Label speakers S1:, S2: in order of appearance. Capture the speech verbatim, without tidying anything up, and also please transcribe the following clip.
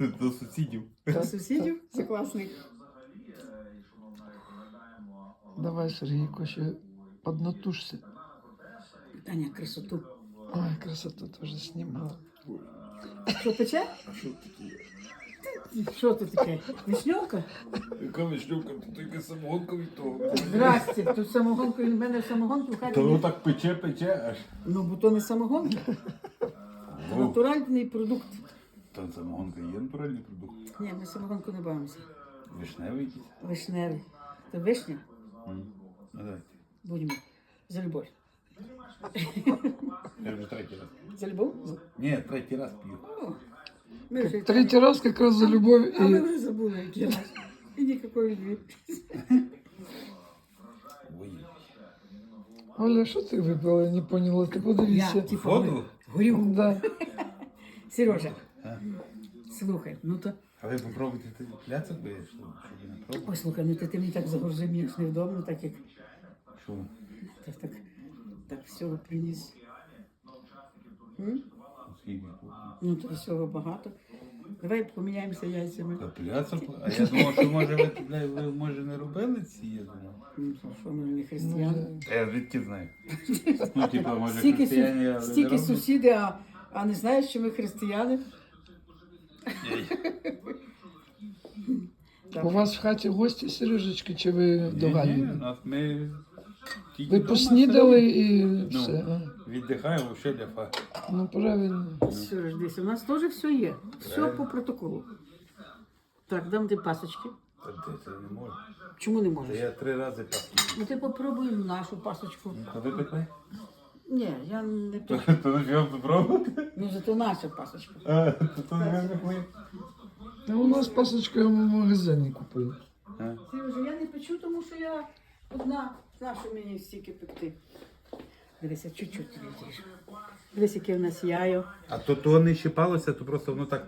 S1: До сусідів.
S2: До сусідів? Це класний.
S3: Давай, Сергійко, ще поднатужся.
S2: Таня, красоту.
S3: Ой, красоту теж знімала.
S2: Що пече?
S1: А що таке?
S2: Що це таке? Вишньовка?
S1: Яка вишнюка, тут тільки самогонка від того.
S2: Здрасте, тут самогонка, він в мене самогонки в хаті.
S1: То
S2: не-
S1: воно так пече, пече аж.
S2: Ну, бо то не самогонка, це натуральний продукт.
S1: Та самогонка є натуральний продукт.
S2: Ні, ми самогонку не бавимося.
S1: Вишневий якийсь.
S2: Вишневий. Це вишня?
S1: М. Ну, давайте.
S2: Будемо. За любов.
S1: Я вже третій раз.
S2: За любов?
S1: Ні, третій раз п'ю.
S2: О, ми вже...
S3: Третій раз якраз за любов
S2: А ми
S3: і...
S2: вже забули, який раз. І ніякої любві.
S1: Ой.
S3: Оля, що ти випила? Я не поняла. Ти
S2: Я,
S3: подивися.
S2: типу,
S1: Воду?
S2: горілку.
S3: Да.
S2: Сережа,
S1: А?
S2: слухай, ну то...
S1: А ви попробуйте ти пляцок би, щоб щоб ви не пробували.
S2: Ой, слухай, ну ти, ти мені так загрузив, мені ж невдобно, так як...
S1: Що?
S2: Так, так, так всього приніс. М?
S1: Скільки?
S2: Ну, то всього багато. Давай поміняємося яйцями.
S1: Та пляцок? А я думав, що може ви, ви, ви може не робили ці, я думав.
S2: Ну, то що, ми ж не християни.
S1: А я звідки знаю? Ну, типа, може
S2: Стільки,
S1: християни,
S2: су...
S1: але не
S2: стільки
S1: роблять?
S2: сусіди, а, а не знаєш, що ми християни?
S3: У вас в хаті гості, Сережечки, чи ви
S1: Ні,
S3: до
S1: ні,
S3: Галі?
S1: нас ми тільки
S3: Ви
S1: вдома
S3: поснідали
S1: сидимо.
S3: і все.
S1: Ну, віддихаємо, ще для фа.
S3: Ну, правильно.
S2: Все ж десь, у нас теж все є. Все по протоколу. Так, дам ти пасочки.
S1: Та де це не можна.
S2: Чому не
S1: Та
S2: можеш?
S1: я три рази паску.
S2: Ну ти попробуй нашу пасочку.
S1: Та ви пекли?
S2: Ні, я не
S1: То
S2: пишу.
S1: то на чого попробувати?
S2: Ну зато наша пасочка.
S1: А, то то не пекли.
S3: А у нас пасочка я в магазині купили.
S1: А?
S2: Сережа, я не печу, тому що я одна. Нащо мені стільки пекти? Дивися, чуть-чуть тобі трішки. Дивись, яке в нас яйо.
S1: А то то не щипалося, то просто воно так